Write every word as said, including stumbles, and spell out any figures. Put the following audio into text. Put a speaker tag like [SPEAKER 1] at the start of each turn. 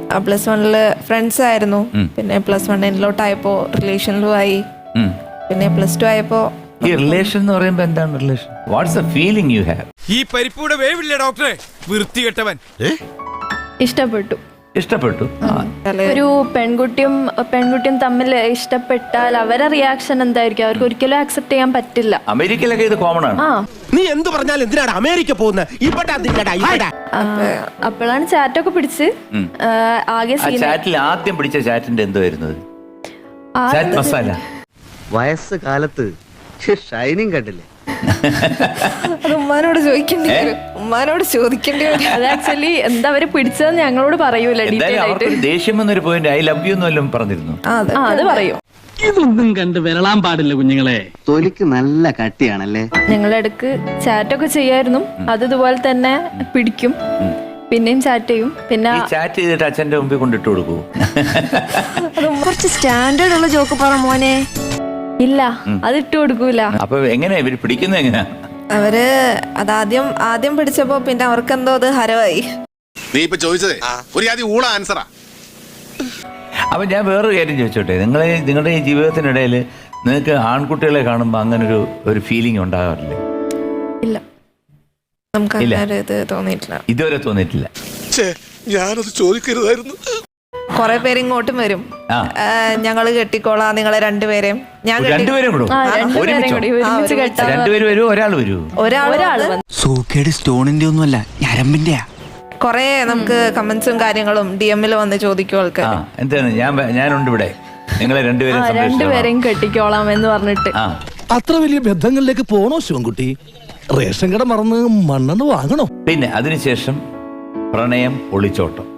[SPEAKER 1] Plus വണ്ണില് friends ആയിരുന്നു. പിന്നെ plus one എൻഡിലോട്ടായപ്പോ റിലേഷനിലും ആയി. പിന്നെ പ്ലസ് ടു ആയപ്പോ
[SPEAKER 2] ഈ റിലേഷൻ എന്ന് പറയുമ്പോ എന്താണ് relation? What's the feeling you have?
[SPEAKER 3] ഈ പരിപ്പൂടെ വേവില്ലേ ഡോക്ടറെ, വൃത്തികെട്ടവൻ.
[SPEAKER 4] ഇഷ്ടപ്പെട്ടു.
[SPEAKER 2] ഇഷ്ടപ്പെട്ടു.
[SPEAKER 4] ഒരു പെൺകുട്ടിയും പെൺകുട്ടിയും തമ്മിൽ ഇഷ്ടപ്പെട്ടാൽ അവരെ റിയാക്ഷൻ എന്തായിരിക്കും? അവർക്ക് ഒരിക്കലും ആക്സെപ്റ്റ് ചെയ്യാൻ പറ്റില്ല.
[SPEAKER 2] അമേരിക്കയിലൊക്കെ ഇത് കോമൺ ആണ്.
[SPEAKER 5] നീ എന്ത് പറഞ്ഞാലും എന്തിനാണ് അമേരിക്ക പോകുന്നത്?
[SPEAKER 4] അപ്പോഴാണ് ചാറ്റൊക്കെ പിടിച്ച് ആകെ
[SPEAKER 2] ചാറ്റിൽ ആദ്യം പിടിച്ച ചാറ്റിന്റെ എന്തോ വരുന്നത്? ചാറ്റ് മസാല.
[SPEAKER 6] വയസ്സ് കാലത്ത് ഷൈനിങ് കണ്ടില്ലേ?
[SPEAKER 1] അത് ഉമ്മാനോട് ചോദിക്കേണ്ടി വരും. ഉമ്മാനോട് ചോദിക്കേണ്ടി വരും.
[SPEAKER 4] അത് ആക്ച്വലി എന്താ അവര് പിടിച്ചതെന്ന് ഞങ്ങളോട് പറയൂല.
[SPEAKER 2] ദേഷ്യം എന്നൊരു പോയിന്റ് ഐ ലവ് യു എന്നെല്ലാം പറഞ്ഞിരുന്നു.
[SPEAKER 4] അത് പറയൂ.
[SPEAKER 7] ഇതൊന്നും കണ്ട് വിരളാൻ പാടില്ല കുഞ്ഞുങ്ങളെ.
[SPEAKER 6] തൊലിക്ക് നല്ല കട്ടിയാണല്ലേ.
[SPEAKER 4] ഞങ്ങൾ ഇടക്ക് ചാറ്റൊക്കെ ചെയ്യായിരുന്നു. അത് ഇതുപോലെ തന്നെ പിടിക്കും, പിന്നെയും ചാറ്റ് ചെയ്യും. പിന്നെ
[SPEAKER 2] ചാറ്റ് ചെയ്തിട്ട് അച്ഛന്റെ മുമ്പിൽ കൊണ്ടിട്ട് കൊടുക്കൂ.
[SPEAKER 1] കുറച്ച് സ്റ്റാൻഡേർഡ് ഉള്ള ജോക്ക് പറ മോനെ.
[SPEAKER 4] ഇല്ല, അത് ഇട്ട് കൊടുക്കൂല.
[SPEAKER 2] അപ്പൊ എങ്ങനെയാ ഇവര് പിടിക്കുന്നത്? എങ്ങനെയാ
[SPEAKER 1] അവര് അതാദ്യം ആദ്യം പിടിച്ചപ്പോ പിന്നെ അവർക്ക് എന്തോ അത് ഹരവായി.
[SPEAKER 8] നീ ഇപ്പൊ ചോദിച്ചതേ ഒരു ആദ്യം ഊള ആൻസറാ.
[SPEAKER 2] അപ്പൊ ഞാൻ വേറൊരു കാര്യം ചോദിച്ചോട്ടെ, നിങ്ങളെ നിങ്ങളുടെ ഈ ജീവിതത്തിനിടയിൽ നിങ്ങൾക്ക് ആൺകുട്ടികളെ കാണുമ്പോൾ അങ്ങനെ ഒരു ഒരു ഫീലിംഗ് ഉണ്ടാകാറില്ലേ?
[SPEAKER 1] ഇല്ല, നമുക്ക് അങ്ങനെ ഇത് തോന്നിയിട്ടില്ല.
[SPEAKER 2] ഇതുവരെ തോന്നിയിട്ടില്ല.
[SPEAKER 8] ഞാനത് ചോദിക്കരുതായിരുന്നു.
[SPEAKER 1] കൊറേ പേര് ഇങ്ങോട്ടും വരും, ഞങ്ങള് കെട്ടിക്കോളാം നിങ്ങളെ രണ്ടുപേരെയും. ഞാൻ
[SPEAKER 2] രണ്ടുപേരും രണ്ടുപേരും വരൂ, ഒരാൾ വരൂ.
[SPEAKER 1] ഒരാൾ
[SPEAKER 6] സൂക്കേട് സ്റ്റോണിന്റെ ഒന്നുമല്ല, ഞരമ്പിന്റെയാ.
[SPEAKER 1] കൊറേ നമുക്ക് കമന്റ്സും കാര്യങ്ങളും ഡി എമ്മിൽ വന്ന് ചോദിക്കും ആൾക്കാർ.
[SPEAKER 2] എന്താണ് ഞാൻ ഞാനുണ്ട് ഇവിടെ, നിങ്ങളെ രണ്ടുപേരും
[SPEAKER 4] രണ്ടുപേരെയും കെട്ടിക്കോളാം എന്ന് പറഞ്ഞിട്ട്.
[SPEAKER 5] അത്ര വലിയ ബന്ധങ്ങളിലേക്ക് പോണോ ശിവൻകുട്ടി? റേഷൻ കട മറന്ന് മണ്ണെന്ന് വാങ്ങണോ?
[SPEAKER 2] പിന്നെ അതിനുശേഷം പ്രണയം ഒളിച്ചോട്ടം.